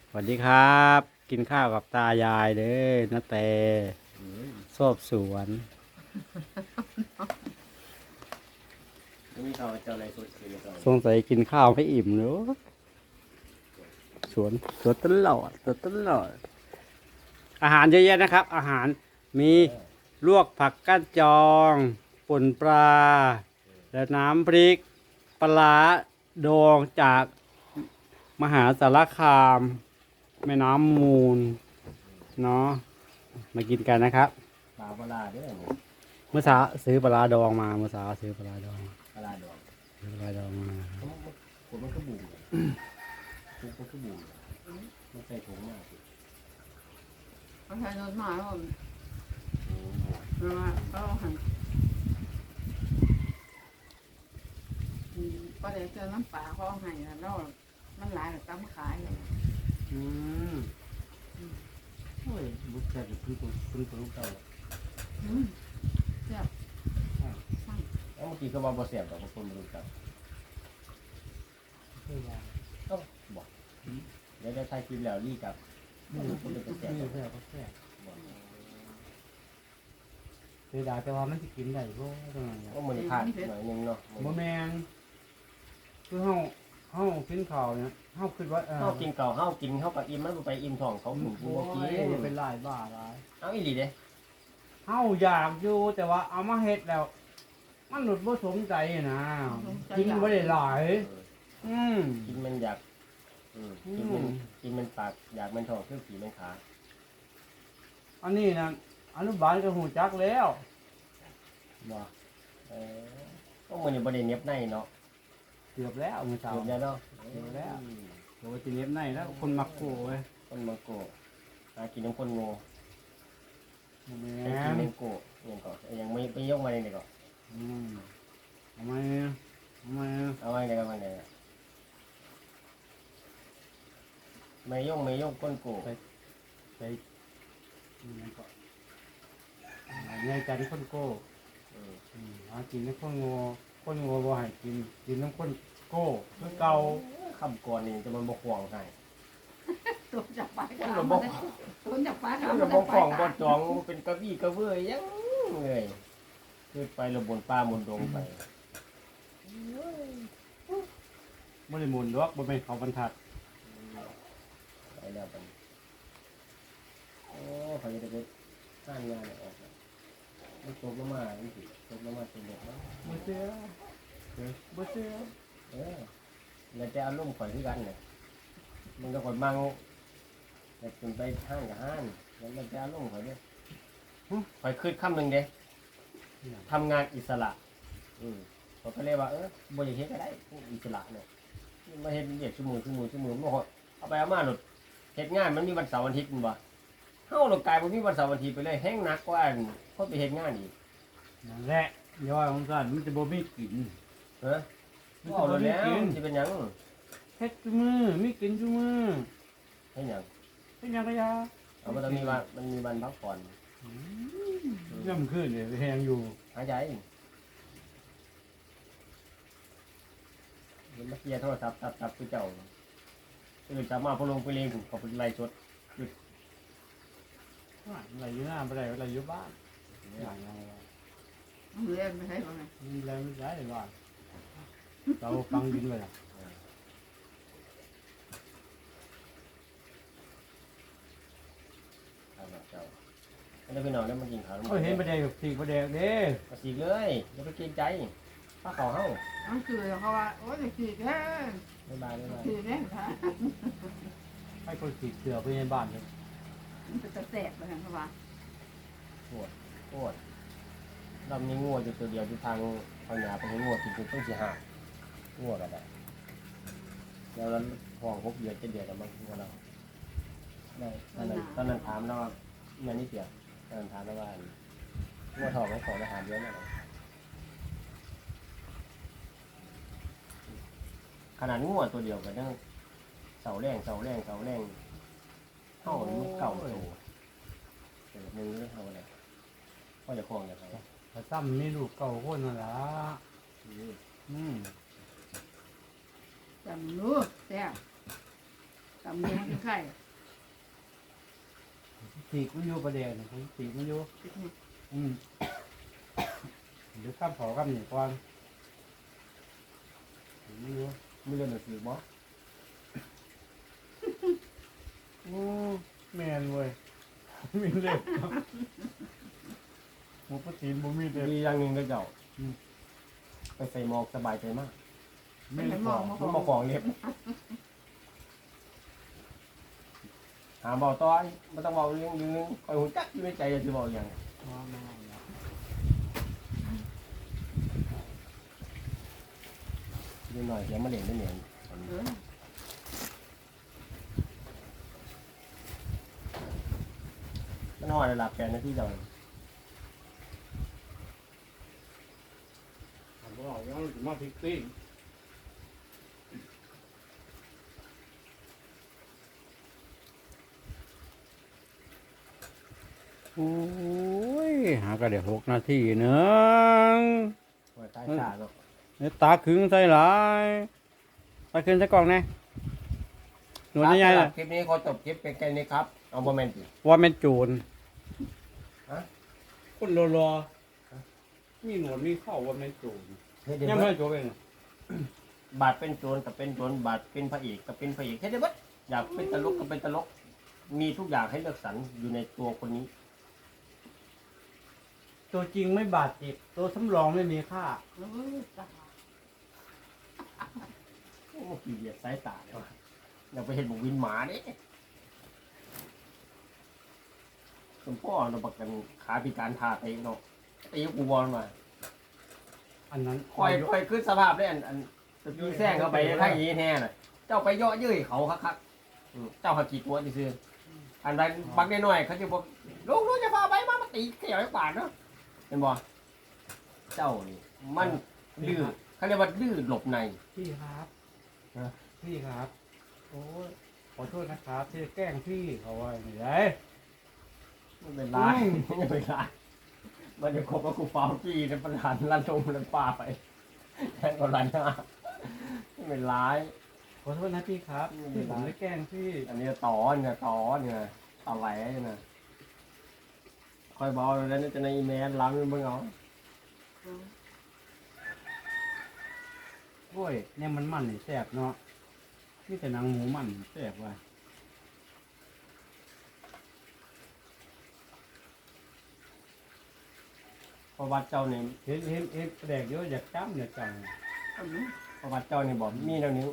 สวัสดีครับกินข้าวกับตายายเด้อนาแต่ชอบสวนมีเขาเจ้าอะไรสุดคือเขาสงสัยกินข้าวไม่อิ่มเนอะสวนตลอดอาหารเยอะแยะนะครับ อาหารมีลวกผักก้านจองป่นปลาและน้ำพริกปลาร้าดองจากมหาสารคามแม่น้ำมูลเนาะมากินกันนะครับปลาปลาเด้อเมื่อเช้าซื้อปลาร้าดองมาเมื่อเช้าซื้อปลาร้าดองปลาดองซื้อปลาร้าดองมาผมมันก็บูมผมก็บูมมันใส่ถุงมากเขาใช้รถมาแล้วมาก็หันก็ได้เจอน้ำปลาเขาให้แล้วมันหลายแต่ตั้มขายเลยโอ้ยบุกแค่คือตัวลูกเต่าเจ็บแล้วเมื่อกี้ก็ว่าบ่เสียบดอกคนลูกเต่าต้องบอกเดี๋ยวได้ถ่ายคลิปแล้วรีกับคนเป็นแสบเสียดายแต่ว่ามันจะกินได้ก็ตรงนั้นก็มันพลาดหน่อยนึงเนาะโมแมนคือเฮากินข้าวเนี่ยเฮาคิดว่าเฮากินเก่าเฮากินเฮากับอิ่มมันไปอิ่มท้องเขาถึงบ่กินเป็นหลายบ้าหลายเอาอีหลีเด้เฮาอยากอยู่แต่ว่าเอามาเฮ็ดแล้ว มันหลุดบ่สมใจนะกินบ่ได้หลายมกินมันอยากกินมันปากอยากมันท้องเครื่องผีมันขาอันนี้นะอนุบาลก็หูจักแล้วบ่ก็มันอยู่บ่ได้เน็บในเนาะเกือบแล้วมื้อเช้าเน็บแล้วเนาะโอ้ยสิเล็บในแล้วคนมักโกเว้ยคนมังโกหากินน้ำคนโง่บ่แม่ไปกินนน้ำโกยังก่อนยังไม่ไปยกมาเลยก่อนทำไมทำไมเอาไว้เลยกันมาเลยไม่ยกก้นโกไปไงกันคนโก้หากินน้ำคนโง่คนโง่บ่ให้กินน้ำคนโก้คือเก่าคำก่อนนี่จะมันบกห่วงให้ตัวจับปลามันระบบตัวจับปลามันระบบห่วงบ่จองเป็นกระบี่กระเบื้อยังเลยคือไประบนป่าบนดงไปบ่ได้หมุนดอกบ่เป็นเขาบรรทัดไปแล้วไปโอ้เขาจะได้สร้างงานออกมันตกลงมานี่สิตกลงมาเป็นเด็กแล้วบ่เชื่อบ่เชื่อแล้วจะอารมณ์ข่อยที่กันเนี่ยมันก็ข่อยมั่งแต่จนไปห้างกับห้างแล้วมันจะอารมณ์ข่อยเนี่ยข่อยคืดคำหนึ่งเด้ทำงานอิสระเขาก็เรียกว่าบริเฮ็ดก็ได้อิสระเนี่ยมาเฮ็ดเรียกชั่วโมงมันเอาไปเอามาหลุดเฮ็ดงานมันมีวันเสาร์วันอาทิตย์มันบ่เฮาหลกกายบ่มีวันเสาร์วันอาทิตย์ไปเลยแห้งหนักกว่าคนไปเฮ็ดงานอีกนั่นแหละย่อยของกันมันจะบ่มีกินมันเอาแล้วสิเป็นหยังเฮ็ดซุมื้อมีกินซุมื้อให้หยังเป็นหยังก็ยาเอามันมีวันพักผ่อนย่ำขึ้นเนี่ยแหงอยู่หายใจมันมาเคลียร์โทรศัพท์ตับคือเจ้าตื่นเช้ามาพอลงไปเลี้ยงเขาเป็นไล่สดอะไรอยู่หน้าบ่ได้อะไรอยู่บ้านอย่างเงี้ยเล่นไม่ใช่หรอไงมีแรงไม่ใช่บ้านเราฟังดินเลยล่ะเจ้าแล้วพี่น้องได้มากินข้าวก็เห็นประเดี๋ยวสีประเดี๋ยวเด้มาสีเลยอย่าไปเกรงใจป้าเขาเฮ้านั่นคือเขาว่าโอ้ยขีดแค่บ๊ายบายขีดแค่ค่ะให้คนสีเสือไปในบ้านเลยมันจะแสบเลยเขาว่าโคตรเรามีงัวอยู่ตัวเดียวที่ทางหยาไปให้งัวกินต้องสีห่างัวกันได้แล้วห้อง6 เดือน7 เดือนแล้วมั้งงัวเราได้ตอนนั้นถามเราเงินนี่เสียตอนนั้นถามเราว่างัวทองของอาหารเยอะมากขนาดงัวตัวเดียวกันเนาะเสาแรงเข้ามันเก่าตัวแต่มึงไม่ทำอะไรก็จะคล้องอย่างไรแต่ซ้ำนี่ลูกเก่าคนนั่นล่ะอืมจำรู้แซ่บตำเนื้อเป็นไข่สีกมันอยู่ประเดี๋ยวนี่สีกมันอยู่ติดนี่เดี๋ยวข้ามเผาข้ามหนีก่อนไม่รู้มีเรื่องหนังสือบ่โอ้แมนเว้ยมีเล็บครับหมูปลาตีนบ่มีเล็บมีอย่างหนึ่งก็เจ้าไปใส่หมอกสบายใจมากไม่ไม่ได้มบออง กมามันมาของเล็บหาเบาต้อยไม่ต้องเบาเรื่องยืนคอยหุ่นจักอยู่ในใจจะบอกอย่างนิดหน่อยเดี๋ยวมาเล่นได้เหนียนเออมันห่อระดับแปดนาทีเจ้าผมบอกว่าถึงมาพิกซี่โอ้ยหาก็เดี๋ยว6 นาทีหนึงโอ้ยตายชาเนาะเนี่ยตาขึงใส่หลายตาขึงใส่กล่องแน่หนวดใหญ่ๆคน่ะลิปนี้ขอจบคลิปเป็นแค่นี้ครับเอาบอมเมนต์ว่าแม่นโจรฮะคนรอมีหนวดมีเข้าว่าแม่นโจรเฮ้ยเดี๋ยวยังเบิไม่ดโจรเองบาทเป็นโจรกับเป็นโจรบาทเป็นพระเอกกับเป็นพระเอกแค่เดียวเบิดอยากเป็นตลกกับเป็นตลก มีทุกอย่างให้เลือกสรรอยู่ในตัวคนนี้ตัวจริงไม่บาดเจ็บตัวสำรองไม่มีค่าเออตาโอ้ขี้เกียจสายตาเลยวะอยากไปเห็นบุกวินหมาเนี่ยสมพ่อเราประกันขาพิการทาเตะเนาะตีกูบอลมาอันนั้นคอยขึ้นสภาพได้อันตะกี้แซงเข้าไปถ้าอย่างนี้แน่น่ะเจ้าไปเยาะเย้ยเขาคักๆเจ้าหักกี่ตัวดิซื้ออันใดบักได้หน่อยเขาจะบอกลูกจะพาไปมาตีเขี่ยวให้ปาดเนาะเห็นบ่เจ้านี่มันดื้อเขาเรียกว่าดื้อหลบในพี่ครับฮะพี่ครับ โอ้ยขอโทษนะครับที่แกล้งพี่เขาไว้ไม่ได้ไม่เป็นไรไม่เป็นไรมันจะคบกับกูฟาวกี้ในประธานลั่นทงลั่นป้าไปแทงก็ลั่นหน้าไม่เป็นไรขอโทษนะพี่ครับไม่เป็ที่นผไรมได้แกล้งพี่อันนี้ต่อเนี่ยอะไรเนี่ยคอยบอกแล้วนี่จะในอีเมลล้างมึงเอาโอ้ยเนี่ยมันนี่แซ่บเนาะนี่แต่หนังหมูมันแซ่บว่ะประวัติเจ้าเนี่ยเห็นแดกเยอะอยากจ้ำเนี่ยจังอันนี้ประวัติเจ้าเนี่ยบอกมีเท่านี้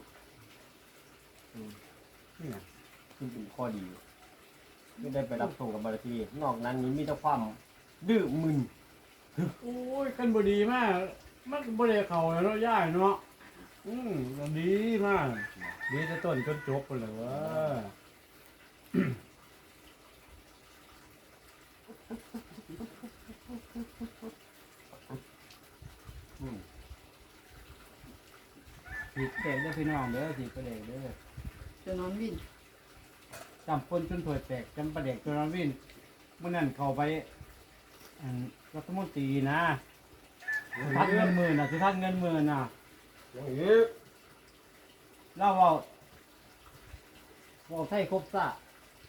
นี่นะคือเป็นข้อดีไม่ได้ไปรับส่งกับบริษัทนอกนั้นนี้มีแต่ความดื้อมึนโอ้ยกันบดีมากมันบดีเข่าแล้วเนาะย่ายเนาะมันดีมากดีแต่ต้นจนจบไปเลยว่า สีกระเด็กเด้อพี่น้องเด้อสีกระเด็กเด้อจะนอนวิ่งจำปนจนถวยแตกจำประเด็กจนนอนวินเมื่อนั้นเข้าไปรัฐมนตรีนะทัดเงินหมื่นสิทัดเงินหมื่นอย่างนี้แล้วว่าไทยครบซะ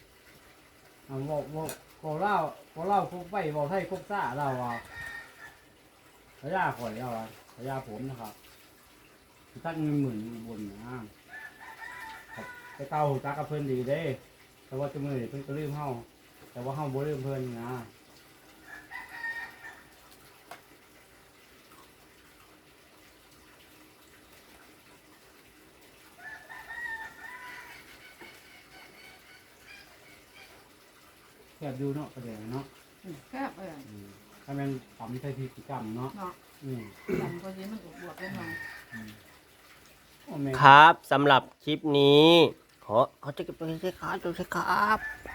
ว่าเล่าครบไปว่าไทยครบซะเราพระยาข่อยเราพระยาผมนะครับสิทัดเงินหมื่นบนนะไปเก่าจักกับเพิ่นดีเด้แต่ว่าจะมือเพิ่นก็ลืมเฮาแต่ว่าเฮาบ่ลืมเพิ่นนะแคบดูเนาะประเดี๋ยวเนาะแคบเลยถ้าแม่นทำใช้พิธีกรรมเนาะเนาะอืมจำคนนี้มันบวกได้หน่อยโอ้แม่ครับสำหรับคลิปนี้ขอจะเก็บไปใช้ขาดูใช้ครับ